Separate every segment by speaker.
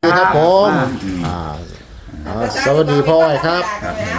Speaker 1: ครับผมสวัสดีพ่ออ้อยครับ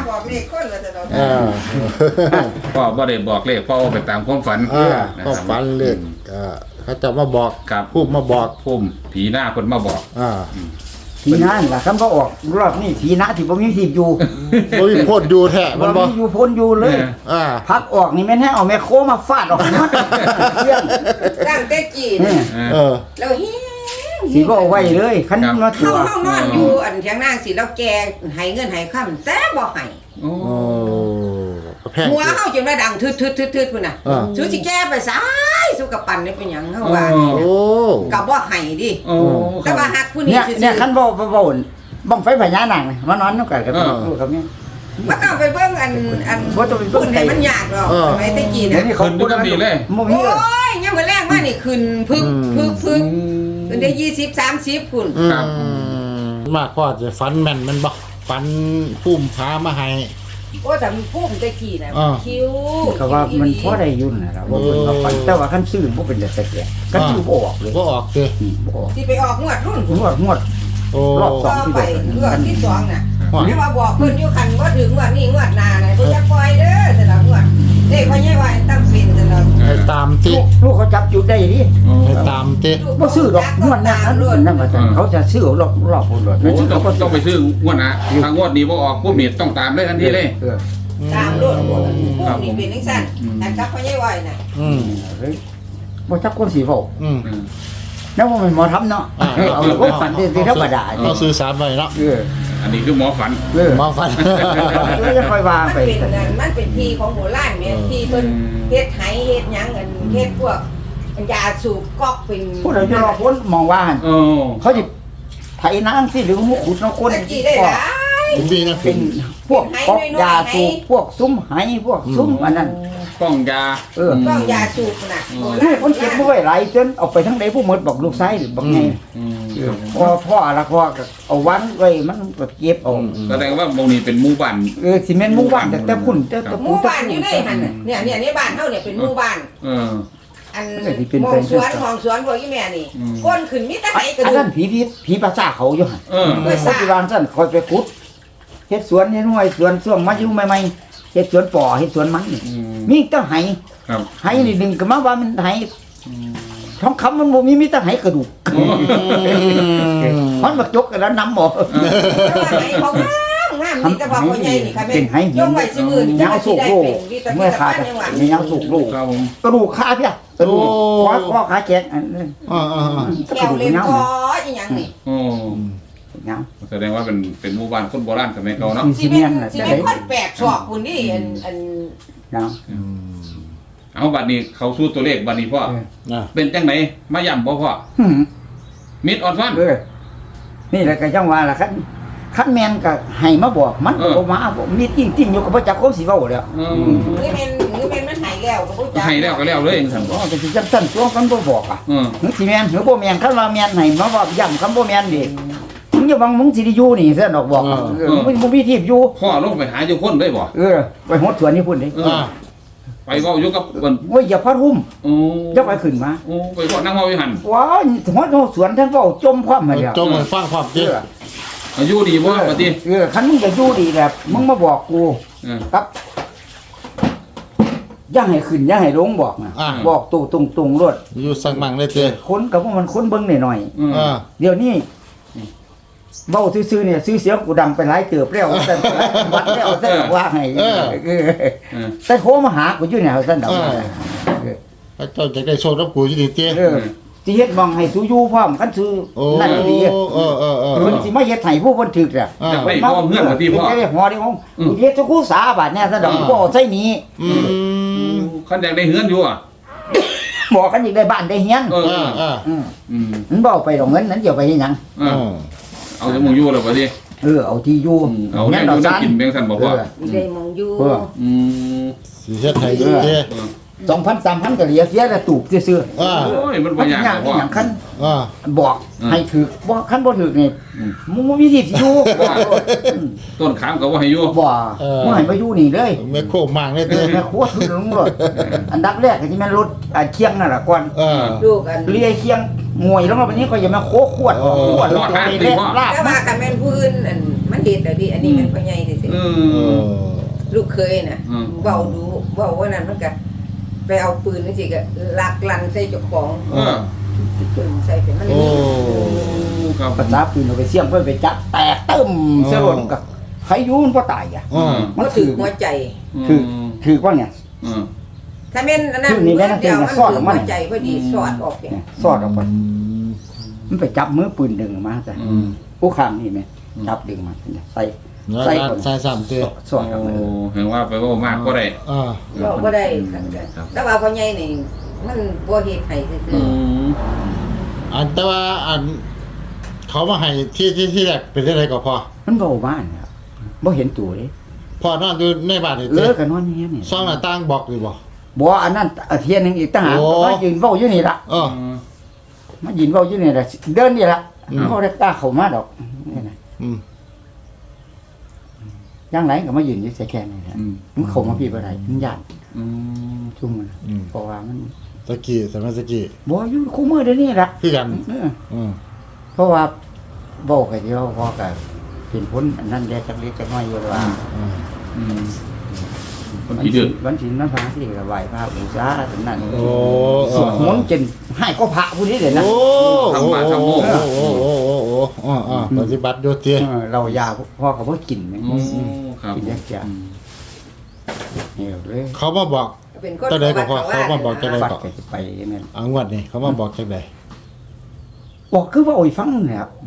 Speaker 2: พ่อบ่ได้บอกเลขพ่อเอาไปตามความฝัน
Speaker 1: ก็ฝันเลขเขาจะมาบอก
Speaker 2: ครับ
Speaker 1: พูดมาบอก
Speaker 2: พุ่มผีหน้าคนมาบอก
Speaker 3: ผีน้าล่ะคำก็ออกรอบนี้ผีน้าที่บ่มีทีบอยู่
Speaker 1: บ่มีโพดอยู่แท้
Speaker 3: บ่
Speaker 1: มันบ่
Speaker 3: มีอยู่พ้นอยู่เลยพักออกนี่แม่นให้เอาแม่โคมาฟาดออกหมดเรื่อง
Speaker 4: ตั้งแต่จีน แล้วเฮ้ย
Speaker 3: สิบ่เอาไว้เลยคันมาตัว
Speaker 4: เฮานอนอยู่อันเถียงนางสิแล้วแกให้เงินให้ค้ำแต่บ่ให้
Speaker 2: โอ้
Speaker 1: แพง
Speaker 4: หัวเฮาจนว่าดังทึดๆๆพุ่นน่ะสู้สิแก้ไปซ้ายสู้กับปั่นนี่เป็นหยังเฮาว่า
Speaker 1: โอ้
Speaker 4: ก็บ่ให้ดิ
Speaker 2: โอ้
Speaker 4: แต่ว่าฮักผู้นี้
Speaker 3: เนี่ย
Speaker 4: ซื่อ
Speaker 3: เนี่ยคันบ่บ้องไฟพญานาคมานอนนำกันกับลูกกับแม่
Speaker 4: บ่ต้องไปเบิ่งอัน
Speaker 3: บ่ต้องไปเบิ่ง
Speaker 4: ให้มันยากหรอกสมัยแต่จีน
Speaker 3: เดี๋ยว
Speaker 4: น่ะ
Speaker 3: นี้เขา
Speaker 2: ขึ้นด้วยกันดีเลย
Speaker 3: บ่
Speaker 4: โอ
Speaker 3: มีเลย้
Speaker 4: ยยังมื้อแรกมานี่ขึ้นพึบขึ้นได้20 30พุ่น
Speaker 2: ครับ
Speaker 1: มากกว่าจะฝันแม่นมันบ่ฝันพุ่มพามาให้
Speaker 4: โอ้แต่มันพุ่มแต่กี้น่ะคิ้ว
Speaker 3: ก็ว่ามันพอได้อยู่น่ะล่ะว่าเพิ่นว่าฝันแต่ว่าคันซื้อบ่เป็นแต่แก่ก็ซื้อบ่ออกเลย
Speaker 1: บ่ออกเด้
Speaker 3: บ่ออก
Speaker 4: สิไปออกงวดรุ่น
Speaker 3: งวด
Speaker 1: โอ้
Speaker 3: รอบส
Speaker 4: ต่
Speaker 3: อง
Speaker 4: อไปงวดที่2น่ะ
Speaker 1: ว่า
Speaker 4: ไม่ว่าบอกเพิ่นอยู่คันว่าถึงว่านี่งวดหน้าน่ะบ่จะปล่อยเด้อแต่ละงวดเด็กว่าใหญ่ว่าตั้งเป็นแต่ละ
Speaker 1: ให้ตามติ
Speaker 3: ลูกเขาจับจุดได้ดิ
Speaker 1: ให้ตามติ
Speaker 3: บ่ซื้อดอกงวดนั้นนั่นว่าซั่นเขาจะซื้อรอบพุ่นรถ
Speaker 2: โอ้ต้องไปซื้องวดนะทางงวดนี้บ่ออกพุ่มนี่ต้องตามเลยทันทีเลย
Speaker 4: ตามรถพวกนี่เป็นจังซั่นแต่กับพ่อใหญ่ว่าน่ะ
Speaker 3: บ่จักคนสิเว้า แล้วว่ามันหมอทำเนาะเอาลูกฝันที่ธรรมดา
Speaker 1: เอาสื่อสารไว้เนาะ
Speaker 2: อันนี้คือหมอฝัน
Speaker 1: มาฝัน
Speaker 3: แล้วจะค่อยวาง
Speaker 4: มัน
Speaker 3: ไป
Speaker 4: เป็นนั่นมันเป็นที่ของโบราณแม่ที่เพิ่นเฮ็ดไหเฮ็ดหยังกันเฮ็ดพวกยาสูบก๊อกเป็น
Speaker 3: ผู้ใดจะรอพ้นมองว่า
Speaker 2: โอ้
Speaker 3: เขาสิไถนางสิหรือขุดน้ำคน
Speaker 4: ตะกี้ได้หลาย
Speaker 1: ผมดีนะ
Speaker 3: เป็นพวกก๊อกยาสูบพวกซุ้มไหพวกซุ้มอันนั้น
Speaker 2: ป้องยา
Speaker 4: ก๊อกยาสูบน่ะโบ
Speaker 3: ลู
Speaker 4: ราก ณ
Speaker 3: คนเก็บไว้หลายจนเอาไปทั้งใดผู้หมดบอกลูกชายหรือบอกไงพ่อละพ่อก็เอาวันไว้มันก็เก็บเอา
Speaker 2: แสดงว่าตรงนี้เป็นหมู่บ้าน
Speaker 3: สิแม่นหมู่บ้านแต่คุณแต่
Speaker 4: หมู่บ้านอยู่ได้หั่นน่ะเนี่ยในบ้านเฮาเนี่ยเป็นหมู่บ้าน อันมองสวนของสวนพวกอีแม่นี่ก้นขึ้นมีแต่ไหกระ
Speaker 3: อัน
Speaker 4: ดู
Speaker 3: นั้
Speaker 4: ก
Speaker 3: นผีภาษาเขาอยู่หั่น
Speaker 4: ภาษา
Speaker 3: ปัจจุบันซั่นคอยไปขุดเฮ็ดสวนเฮ็ดห้วยสวนช่วงมาอยู่ใหม่ๆเฮ็ดสวนป่อเฮ็ดสวนมันนี่มีแต่ไห
Speaker 2: ครับ
Speaker 3: ไหนี่ดึงก็มาว่ามันไหทองคำมันบ่มีแต่ไหกระดูกมันบักจกกันแล้วนำบ่
Speaker 4: ไหเขางามนี่แต่ว่าพ่อใหญ่นี่ค่ะแม่
Speaker 3: เป็นไห
Speaker 4: ยกไว้ซื่อนี่
Speaker 3: ยาวสุกลูกเมื่อขาดมียาวสุกลูก
Speaker 2: ครับผม
Speaker 3: กระดูกขาเพียกระดูกข้อขาแจกอันนั้น
Speaker 4: แก้วเล่นคออีหยังนี่
Speaker 2: โอ้
Speaker 3: เงา
Speaker 2: แสดงว่าเป็นหมู่บ้านคนโบราณสมัยเก่าเนาะ
Speaker 4: สิเป็นคนแปลกชอบคุณนี่อัน
Speaker 3: เงา
Speaker 2: เอาบัดนี้เขาสู้ตัวเลขบัดนี้พ่อเป็นจังไหนมาย่ำบ่พ่อมิดออนฟัน
Speaker 3: นี่แหละก็จังว่าล่ะคันแม่นก็ให้มาบอกมันบ่มาบ่มีจริงๆอยู่ก็บ่จักคนสิเว้าแล้ว
Speaker 4: นี่เป็นมันหายแล้วก็บ่จัก
Speaker 2: ให้แล้วก็แล้วเลยสั่น
Speaker 3: อ๋อจะสิจังซั่นตัวกันบ่บอกอ่ะมึงสิแม่นหรือบ่แม่นคันว่าแม่นให้มาบอกย้ำคำบ่แม่นดิมึงอย่าบังมึงสิได้อยู่นี่ซั่นดอกบอกมึงบ่มีที่อยู่
Speaker 2: พ่อลงไปหาอยู่คนเลยบ่
Speaker 3: ไปหดสวนนี่พุ่นดิ
Speaker 2: ไปเว้าอยู่กับเพิ่น
Speaker 3: โอ้ยอย่าพัดหุ้ม
Speaker 2: โอ้
Speaker 3: อย่าไปขึ้นมา
Speaker 2: โอ้ไปเว้านั่งเว้าอยู่หั่น
Speaker 3: ว้าวหดสวนท่านเว้าจมความมาแล้ว
Speaker 1: จมให้ฟังความจริง
Speaker 2: อายุดีบ่บัดนี้
Speaker 3: คันมึงจะอยู่ดีแบบมึงมาบอกกูครับอย่าให้ขึ้นอย่าให้ลงบอกนะบอกตู่ตรงๆรถ
Speaker 1: อยู่สักมั่งเลยเจ้
Speaker 3: คนกับพวกมันคนเบิ่งหน่อยๆเดี๋ยวนี้เว้าซื่อๆเนี่ยซื้อเสียงกูดังไปหลายเติบแล้วแต่วัดแล้วแต่ว่าให้แต่โทรมาหากูอยู่เนี่ยซั่นดอก
Speaker 1: พระเจ้าจะได้โชครับกูอยู่ดีเจ้
Speaker 3: สิเฮ็ดมองให้สูอยู่พร้อมคันซื้อนั่นดีมันสิมาเฮ็ดให้ผู้เพิ่นถึกอ่ะ
Speaker 2: จะไปพ่อเฮือนบัดนี้พ่อ
Speaker 3: ได้ฮอได้ห้องกูเฮ็ดทุกคู่สาบาดเนี่ยซั่นดอกบ่เอาใส่นี้
Speaker 2: คันอยากได้เฮือนอยู่อ่ะ
Speaker 3: บอกกันอีกได้บ้านได้เฮียนมันบ่เอาไปดอกเงินนั้นเดี๋ยวไปเฮ็ดหยัง
Speaker 2: เอาจะมองอยู่แล้วบัดนี้
Speaker 3: เอาที่อยู่
Speaker 2: เอาเนี่ยอยู่กินแบงซั่นบ่พ่อ
Speaker 4: ได้มองอยู่
Speaker 2: อืม
Speaker 1: สิเฮ็ดให้เจ้
Speaker 3: 2,000 3,000ก็เหลือเสียแต่ตูบซื่อๆ
Speaker 1: อ่า
Speaker 2: โอ้ยมัน
Speaker 3: มั
Speaker 2: บ่
Speaker 3: น
Speaker 2: ยาก
Speaker 3: ยาก
Speaker 2: พ่อ
Speaker 3: อย่างคัน
Speaker 1: อ่า
Speaker 3: บอกให้ถือบ่คันบ่ถือนี่
Speaker 2: อืม
Speaker 3: มึงบ่มีสิทธิ์อยู่
Speaker 2: ต้นขามก็บ่ให้อยู่
Speaker 3: บ่บ่ให้มาอยู่นี่เลย
Speaker 1: ไม่โค้งมากเลยเด้
Speaker 3: แม่ครัวถือลงรถอันดับแรกก็สิแม่นรถเคียงนั่นล่ะก่อน
Speaker 4: ลูกอัน
Speaker 3: เลียเคียงงวยลงมาบัดนี้ก็อย่ามาโคขวดขวดรถไปแลกลาบ
Speaker 4: แต่ว่าคันแม่นผู้อื่นอันมันเฮ็ดแล้วดิอันนี้มันพ่อใหญ่ซื่อ
Speaker 2: อื
Speaker 4: ๆลูกเคยน่ะเว้าดูเว้าว่านั้นมันก็ไปเอาปืนจังซี่ก็ลักลั่นใส่เจ้าของ ปืนใส่เป็นมัน
Speaker 1: โอ้
Speaker 2: ครับ
Speaker 3: ภาษาปืนเอาไปเสี่ยงเพิ่นไปจับแตกตึ้มเสียรถก็ใครอยู่มันบ่ตายอ่ะ
Speaker 1: อ่า
Speaker 3: มัน
Speaker 4: ก็
Speaker 3: ถื
Speaker 4: ถื
Speaker 3: อ
Speaker 4: อหัวใจ
Speaker 3: คือว่าเนี่ย
Speaker 4: ถ้าแม่นอันนั้น
Speaker 3: คือนี่แม่น
Speaker 4: เดียวมัน
Speaker 3: ซ่อนออกมา
Speaker 4: หัวใจพอดีสอดออกเนี่ย
Speaker 3: สอดออกไปมันไปจับมือปืนดึงออกมาจ้ะผู้ข้างนี่แม่จับดึงมาใส่
Speaker 1: ใส่ใส่สามเตะ
Speaker 3: สอดออกมา
Speaker 2: เห็นว่าไปว่ามากก็ได้
Speaker 1: อ่า
Speaker 4: เราก็ได้กันแต่ว่าพ่อใหญ่นี่มันบ่เฮ็ดให้ซื่อ
Speaker 1: อันแต่ว่าอันเขามาให้ที่แรกเป็นอะไรก็พอ
Speaker 3: มันเบาบ้านครับบ่เห็นตัวเลย
Speaker 1: พอนอนอยู่ในบ้านนี่
Speaker 3: เลิ
Speaker 1: เต้
Speaker 3: กกันนอนอย่างเงี้ยนี่
Speaker 1: ซ่องหน้าต่างบอกหรือบ่
Speaker 3: บ่อันนั้นเทียนหนึงอีกต่างหาก
Speaker 1: โอ้
Speaker 3: มายืนเว้าอยู่นี่ล่ะ
Speaker 1: เออ
Speaker 3: มายืนเว้าอยู่นี่ล่ะเดินนี่ล่ะบ่ได้กล้าเข้ามาดอกนี่นะ
Speaker 1: อืม
Speaker 3: ย่างไหนก็มายืนอยู่แค่นี้นะมันเข้ามาพี่บ่ได้มันย่านจุ่มมัน
Speaker 1: อืม
Speaker 3: เพราะว่ามัน
Speaker 1: สกี้สมัยสกี้
Speaker 3: บ่อยู่คู่มือเดี๋ยวนี้ล่ะ
Speaker 1: คือกัน
Speaker 3: เออ
Speaker 1: อืม
Speaker 3: เพราะว่าเว้าก็เดียวพอก็เป็นผลอันนั้นแดจักเล็กจักน้อยอยู่ว่า
Speaker 2: คนที่ดื้อ
Speaker 3: วันศีลวันพระที่ก็ไหว้พระบูชาถึงนั้น
Speaker 1: โอ้
Speaker 3: สวดมนต์จนให้ก็พระผู้นี้เด้นะ
Speaker 1: โอ้โอ้โอ้โอ้โอ้โอ้โอ้อ๋อปฏิบัติโยเตีย
Speaker 3: เรายาพ่อก็บ่กินแม่
Speaker 2: ครับ
Speaker 3: กินยากจังนี่เลย
Speaker 1: เขามาบอก
Speaker 4: เป็นคน
Speaker 1: ตอนใดก็พอเขามาบอกตอนใด
Speaker 3: ปัดก็สิไปนั่น
Speaker 1: อังวัดนี่เขามาบอกจังได
Speaker 3: บอกคือว่าโอ้ยฟังนี่ครับ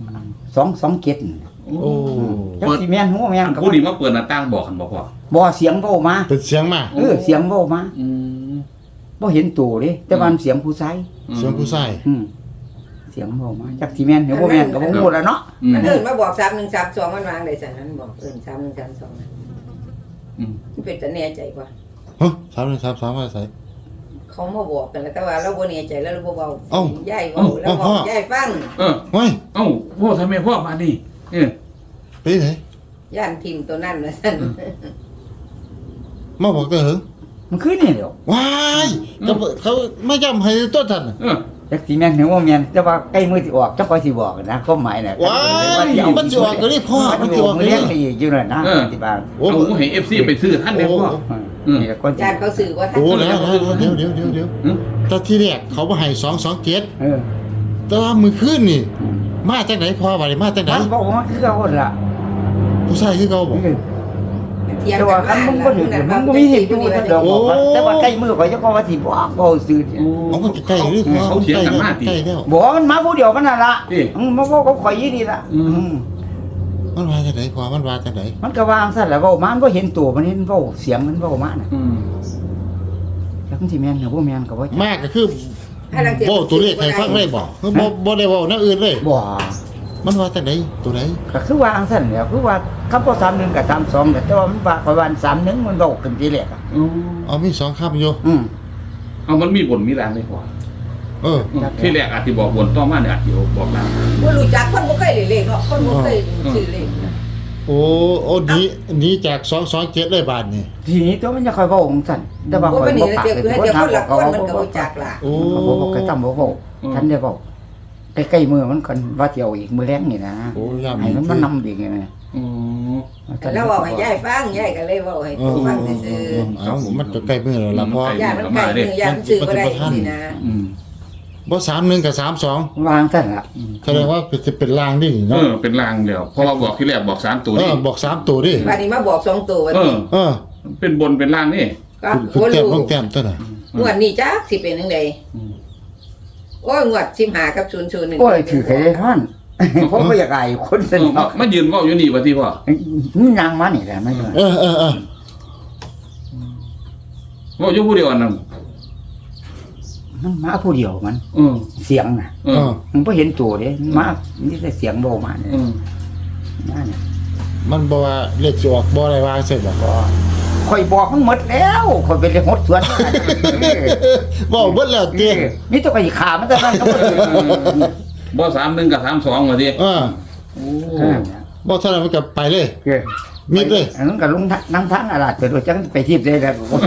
Speaker 3: 2 7
Speaker 1: โอ้
Speaker 3: จักสิแม่นหัวแม่นก็
Speaker 2: ผู้นี้มาเปิดหน้าต่างบอกกันบอกว่า
Speaker 3: บ่เสียงเว้ามา
Speaker 1: เป็นเสียงมา
Speaker 3: เสียงเว้ามาบ่เห็นตัวเด้แต่ว่าเสียงผู้ชาย
Speaker 1: เสียงผู้ชาย
Speaker 3: เสียงเว้ามาจักสิแม่นหรือบ่แม่นก็บ่ฮู้แล้วเนาะ
Speaker 4: มันเอิ้นมาบอก3132มันวางได้ซั่นนั้นบอกเอิ้น3132มันเป็นแต่แน่ใจกว่า
Speaker 1: ฮะ3ว่าใส่
Speaker 4: เขามาบอกกันแล้วแต่ว่าเราบ่แน่ใจแล้วเราบ่เว้า
Speaker 1: เอ้า
Speaker 4: ยายเว้าแล้วบอกยายฟัง
Speaker 1: เฮ้ย
Speaker 2: เอ้าพ่อทำไมพ่อมานี่
Speaker 1: ไปไหน
Speaker 4: ย่านทิมตัวนั้นว่าซั่น
Speaker 1: มาบอกเตอหึง
Speaker 3: มันคือนี่เด้อ
Speaker 1: ว้ายเขาไม่จำให้ต้นทัน
Speaker 3: จักสิแม่นหรือบ่แม่นแต่ว่าใกล้มื้อสิออกจักค่อยสิบอกนะความหมายน่ะ
Speaker 1: ว้ายมันสิออกก็นี่พ่อมันสิออกก็
Speaker 3: เลี้
Speaker 1: นี่
Speaker 3: ยงอีกอยู่นั่นนะที่บ้าน
Speaker 1: โอ้
Speaker 2: เอาให้ FC ไปซื้อท่านได้พ่อ
Speaker 3: นี่ก็
Speaker 4: ย่านเขาสื่อว่าท่าน
Speaker 1: โอ้แล้วเดี๋ยวแต่ที่แรกเขามาให้227แต่ว่ามื้อคืนนี่มาจากไหนพ่อว่าได้มาจากไหน
Speaker 3: มันบอกว่าคือเขาล่ะ
Speaker 1: ผู้ชายคือเขาบอก
Speaker 4: เถียง
Speaker 3: แต่
Speaker 4: กั
Speaker 3: ว่าน คันมึงบ่ถึงมึงบ่มีสิทธิ์อยู่ซั่นดอกแต่ว่าใกล้มื้อข่อยจะก็ว่าสิบอกบ่ซื่อ
Speaker 1: เอามันใกล้หรือพ่อใกล้แล้ว
Speaker 3: บ่มันมาผู้เดียวมันน่ะล่ะมาบอกกับข่อยอยู่นี่ล่ะ
Speaker 1: มันว่าจากไหนพ่อมันว่าจากไหน
Speaker 3: มันก็วางซั่นแหละเว้ามันบ่เห็นตัวมันเห็นเว้าเสียงมันเว้ามาน่ะจักสิแม่นหรือบ่แม่นก็บ่
Speaker 1: มากก็คือบ่ตัวเลขให้ฟังได้บ่บ่ได้เว้าแนวอื่นเลย
Speaker 3: บ่
Speaker 1: มันว่าจากไหนตัวไหน
Speaker 3: ก็คือวางซั่นแหละคือว่าคำบ่31กับ32แต่ว่ามันว่าข่อยว่า31มันเว้าขึ้นทีแรกอ่ะ
Speaker 1: เอามี2คำอยู่
Speaker 2: เอามันมีบนมีรางได้พ่อ ที่แรกอาจจะบอกบนต่อมาเนี่ยอาจจะบอกราง
Speaker 4: บ่รู้จักคนบ่เคยเล่นเลขเนาะคนบ่เคยซื้อเลขนะ
Speaker 1: โอ้นี้จาก227เลยบาทนี่
Speaker 3: ทีนี้ตัวมันจะค่อยเว้าของซั่นแต่ว่า
Speaker 4: บ่
Speaker 3: ข่อย
Speaker 4: เป็น
Speaker 3: บ่
Speaker 4: นี่
Speaker 3: ปาก
Speaker 4: เดี๋ยวคือให้เดี๋ยวคนละคนมันก็บ่จักล่ะ
Speaker 1: โอ้
Speaker 3: บ่ก็จำบ่เว้าทันได้เว้าใกล้ๆมือมันกันว่าสิเอาอีกมื้อแลงนี่นะ
Speaker 1: โอ้ยาม
Speaker 3: ให้มันมานำอีกไง
Speaker 4: แล้วเว้าให้ยายฟังยายก็เลยเว้าให้ตัวฟังซื่อ
Speaker 1: เอามันจะใกล้มือแล้วล่ะพ่อ
Speaker 4: ๆยายมันไกลมือยายมันซื้อบ่ได้สินะ
Speaker 1: บ่31กับ32
Speaker 3: วางซั่นล่ะ
Speaker 1: แสดงว่าจะเป็นลางดิเนาะ
Speaker 2: เป็นรางเดียวเพราะว่าบอกที่แรกบอก3ตัวนี่
Speaker 1: บอก3ตัวดิ
Speaker 4: บัดนี้มาบอก2ตัวว่าติ
Speaker 2: เป็นบนเป็นรางนี่
Speaker 4: ก็
Speaker 1: คือ
Speaker 4: บ่
Speaker 1: แต้ม
Speaker 4: รู้
Speaker 1: ต้องแต้มตัวน่ะ
Speaker 4: งวดนี้จักสิเป็นจังไดโอ้ยงวด15กับ00นี่
Speaker 3: โอ้ยถือใครได้ท่านผมบ่อยากอายคนสนิท
Speaker 2: มายืนเว้าอยู่นี่ว่าที่พ่อ
Speaker 3: มันนางมานี่แหละไม่ใช่
Speaker 1: เออ
Speaker 2: เว้าอยู่ผู้เดียวอันนั้น
Speaker 3: มันมาผู้เดียวมัน เสียงน่ะ มันบ่เห็นตัวเด้มามีแต่เสียงโบมาเนี่ยมาเนี่ย
Speaker 1: มันบ่ว่าเลขสิออกบ่ได้ว่าเสร็จบ่
Speaker 3: ก็คข่อยบอกมันหมดแล้วข่อยเป็นหดสวน
Speaker 1: บอกเบิดแล้วเตี้ย
Speaker 3: นี่ตัวก็สิขามันแต่นั้นก็บ่ได้
Speaker 2: บ่31กับ32ว่าติ โอ้
Speaker 1: บอกเท่านั้นมันก็ไปเลย
Speaker 3: เออ
Speaker 1: มิดเลย
Speaker 3: อันนั้นก็ลงนั่งทางอาลาดไปโดยจังไปทิพย์ได้แล้ว
Speaker 1: โอ้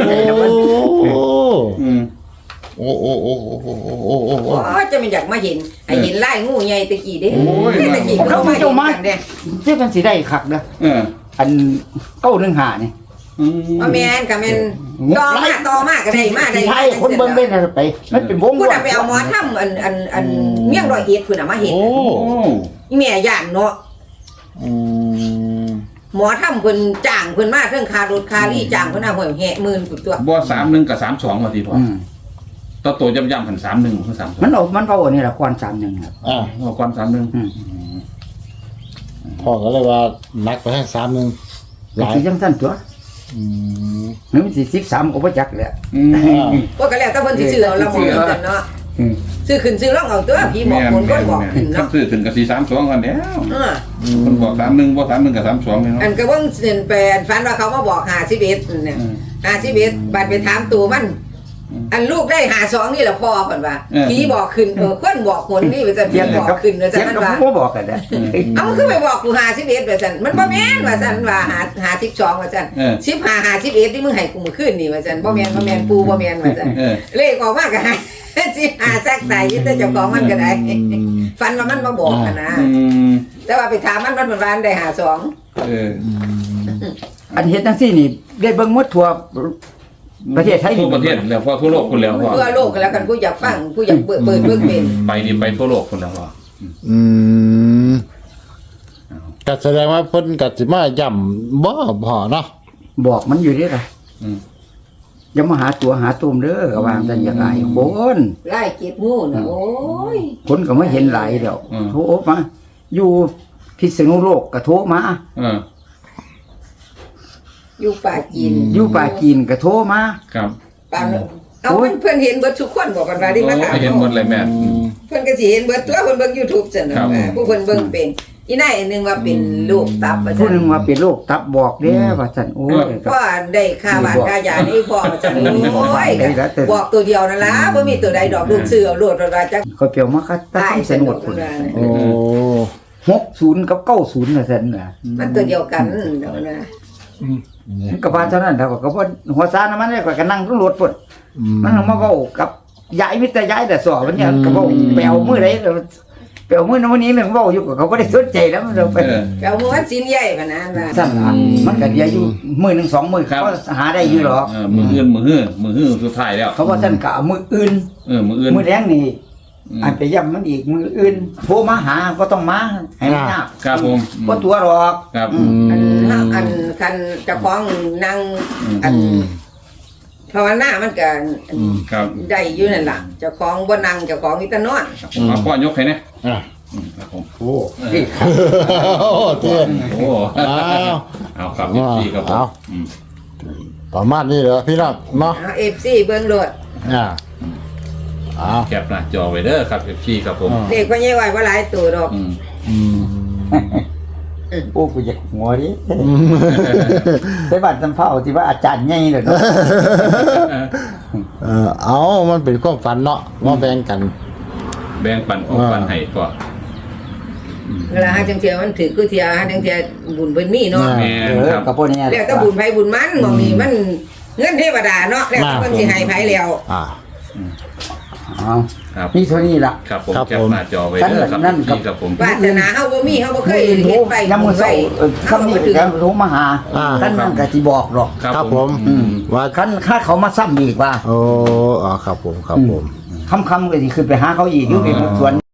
Speaker 2: อืม
Speaker 1: โอ้โอ้โอ้โอ้โอ้โอ้โอ้โอ้
Speaker 4: โอ้จะมันอยากมาเห็นไอ้เห็นไล่งูใหญ่ตะกี้เด้
Speaker 2: โอ้ย
Speaker 4: ตะกี้
Speaker 3: เขา
Speaker 4: เขามา
Speaker 3: เจ้า
Speaker 4: เห็น
Speaker 3: มา
Speaker 4: กันเด้
Speaker 3: ที่มันสิได้คักเด้อ
Speaker 2: เออ
Speaker 3: อัน915นี่
Speaker 4: ว่าแม่นก็แม่นต่อมาก็ได้มาได้
Speaker 3: สิให้คนเบิ่งเล่นน่ะไปมันเป็นวง
Speaker 4: พูดไปเอาหมอทำอันเมี่ยงร้อยเอ็ดพุ่นน่ะมาเห็น
Speaker 1: โอ้
Speaker 4: อีแม่ย่านเนาะ
Speaker 1: อืม
Speaker 4: หมอทำเพิ่นจ้างเพิ่นมาเทิงคารถคารี่จ้างเพิ่นเอาหวยแห่หมื่นพุ่นตัว
Speaker 2: บ่31กับ32ว่าติพ่อ
Speaker 3: อืม
Speaker 2: ต่อตัวย่ำๆกัน31คือ32
Speaker 3: มันเอาอันนี้ล่ะก่อน31ครับ
Speaker 1: อ่ะ
Speaker 2: เอาความ31
Speaker 3: อืม
Speaker 1: พ่อก็เลยว่านักไปทาง3นึงห
Speaker 3: ก็
Speaker 1: ลาย
Speaker 3: สิจังซั่นตัว
Speaker 1: อืม
Speaker 3: มันสิ13ก็บ่จักแหละ
Speaker 2: อืม
Speaker 4: ว่าก็แล้วแต่เพิ่นสิซื้อเอาละหมอกันเนาะ
Speaker 3: อืม
Speaker 4: ซื้อขึ้นซื้อลงเอาตัวพี่บอกคนก็บอกขึ้น
Speaker 2: ครับ
Speaker 4: เนาะ
Speaker 2: ซื้อถึงกับ432กันแล้ว
Speaker 4: เออ
Speaker 2: คนบอก31บ่31กับ32นี่เนาะ
Speaker 4: อันก็เบิ่งเส้นแปดฝันว่าเขามาบอก51เนี่ย51บัดไปถามตัวมัน อันลูกได้52นี่แหละพ่อเพิ่นว่าผีบอกขึ้นคนบอกหนนี่ว่าซั่นผีบอกขึ้นว่าซั่น
Speaker 3: เสียง
Speaker 4: มัน
Speaker 3: ก็
Speaker 4: ว่า
Speaker 3: บ่บอกกันนะ
Speaker 4: เอามันคือไปบอกกู51ว่าซั่นมันบ่แม่นว่าซั่นว่า52ว่าซั่น15 51ที่มึงให้กูมื้อคืนนี่ว่าซั่นบ่แม่นปูบ่แม่นว่าซั่น เลขออกมาก็ให้15ซักใส่แต่เจ้าของมันก็ได้ฟันว่ามันมาบอกกันนะ
Speaker 2: อืม
Speaker 4: แต่ว่าไปถามมันวันได้52
Speaker 2: เออ
Speaker 3: อันเฮ็ดจังซี่นี่ได้เบิ่งหมดทั่วประเทศไทย
Speaker 2: ทั่วประเทศแล้วพอทั่วโลกคนแล้วพ่อ
Speaker 4: ทั่วโลกกันแล้วกันผู้อยากฟังผู้อยากเปิดเบิ่งเป็น
Speaker 2: ไปนี่ไปทั่วโลกคนแล้วพ่อ
Speaker 1: อืมก็แสดงว่าเพิ่นก็สิมาย่ำบ่พอเนาะ
Speaker 3: บอกมันอยู่เด้อล่ะ
Speaker 2: อืม
Speaker 3: อย่ามาหาตัวหาตุ่มเด้อก็ว่าจังอย่างไรคน
Speaker 4: ไล่เก็บงูน่ะโอ้ย
Speaker 3: คนก็ไม่เห็นหลายแล้วโทรมาอยู่พิษณุโลกก็โทรมา
Speaker 2: เออ
Speaker 4: อยู่ป่าจีน
Speaker 3: อยู่ป่าจีนก็โทรมา
Speaker 2: ครับ
Speaker 4: ป่าเอาเพิ่นเห็นเบิดทุกคนบอกกันว่าได้มาถาม
Speaker 2: เห็นหมดเลยแม่
Speaker 4: เพิ่นก็สิเห็นเบิดตัวเพิ่นเบิ่ง YouTube ซั่นน่ะผู้เพิ่นเบิ่งเป็นอีนายอันนึงว่าเป็นลูกตับว่า
Speaker 3: ผู้
Speaker 4: ซั่น
Speaker 3: หนึงว่าเป็นโรคตับบอกเด้อว่าซั่นโอ้ยก็
Speaker 4: พ่อได้ค่าบ้านค่ายานี่พ่อว่าซั่นโอ้ยบอกตัวเดียวนั่นล่ะบ่มีตัวใดดอกลูกซื้อเอาโลดว่าจัก
Speaker 3: เขาเปรียวมาคัดตามสนุดพุ่น
Speaker 1: โอ้
Speaker 3: 60กับ90ว่าซั่นน่ะ
Speaker 4: มันตัวเดียวกันเดี๋ยวนะ
Speaker 3: มันก็ว่าเท่านั้นแล้วก็บ่หัวซานะมันก็นั่งรถพุ่นมันมาเว้ากับยายมิตรยายแต่สอมันเนี่ยก็เว้าไปเอามื้อใดไปเอามื้อนั้นมื้อนี้เรื่องเว้าอยู่ก็เขาบ่ได้สนใจแล้วมันไป
Speaker 4: เอาม้วนสินใหญ่พะนั้นว่า
Speaker 3: สั่นล่ะมันก็เดียวอยู่มื้อหนึง2มื้อเขาหาได้อยู่หรอก
Speaker 2: มืออื่นมือฮื้อสุดท้ายแล้ว
Speaker 3: เขาว่าท่านก็เอามื้ออื่น
Speaker 2: มืออื่น
Speaker 3: มื้อแรงนี่อันไปย่ำมันอีกมื้ออื่นโทรมาหาก็ต้องมาให้มันยาก
Speaker 2: ครับผม
Speaker 3: บ่ตัวหรอก
Speaker 2: ครับ
Speaker 4: อันคันเจ้าของนั่งอันภาวนามันก็
Speaker 2: ครับ
Speaker 4: ได้อยู่นั่นล่ะเจ้าของบ่นั่งเจ้าของมีแต่นอน
Speaker 2: เอาพ่อยกให้นะ
Speaker 1: อ่ะ
Speaker 2: ครับผม
Speaker 1: โอ้โอ้เตี้ย
Speaker 2: โอ้
Speaker 1: อ้าว
Speaker 2: เอาครับพี่ครับผม
Speaker 1: ประมาณนี้เหรอพี่น้องเนาะ
Speaker 4: เอา FC เบิ่งโลด
Speaker 2: แคปหน้าจอไว้เด้อครับพี่ครับผม
Speaker 4: เด็กพ่อใหญ่ไว้บ่หลายตัวดอก
Speaker 3: โอ้กูอยากหัวดิไปบ้านสำเภาที่ว่าอาจารย์ใหญ่เลยเนาะ
Speaker 1: เอามันเป็นความฝันเนาะมาแบ่งกัน
Speaker 2: แบ่งปันของปันให้ก็
Speaker 4: เวลาหาจังเที่ยมันถือคือเที่ยหาจังเที่ยบุญเพิ่นมีเนาะ
Speaker 2: แม่ครับ
Speaker 3: กับพวกนี้
Speaker 4: แล้วก็บุญไผบุญมันมองนี่มันเงินเทวดาเนาะแล้วเพิ่นสิให้ไผแล้ว
Speaker 2: ครับ
Speaker 3: นี่เท่านี้ล่ะ
Speaker 2: ครับผมแคปหน้าจอไว้เด้อครับพี่ครับผม
Speaker 4: วาสนาเฮาบ่มีเฮาบ่เคยเฮ็ดไป
Speaker 3: น้ำมือใส่คำนี้แล้วโทรมาหาท่านนั่นก็สิบอกหรอก
Speaker 1: ครับผม
Speaker 3: ว่าคันค่าเขามาซ้ำอีกว่า
Speaker 1: โอ้ครับผมครับผม
Speaker 3: คำก็สิขึ้นไปหาเขาอีกอยู่ในสวน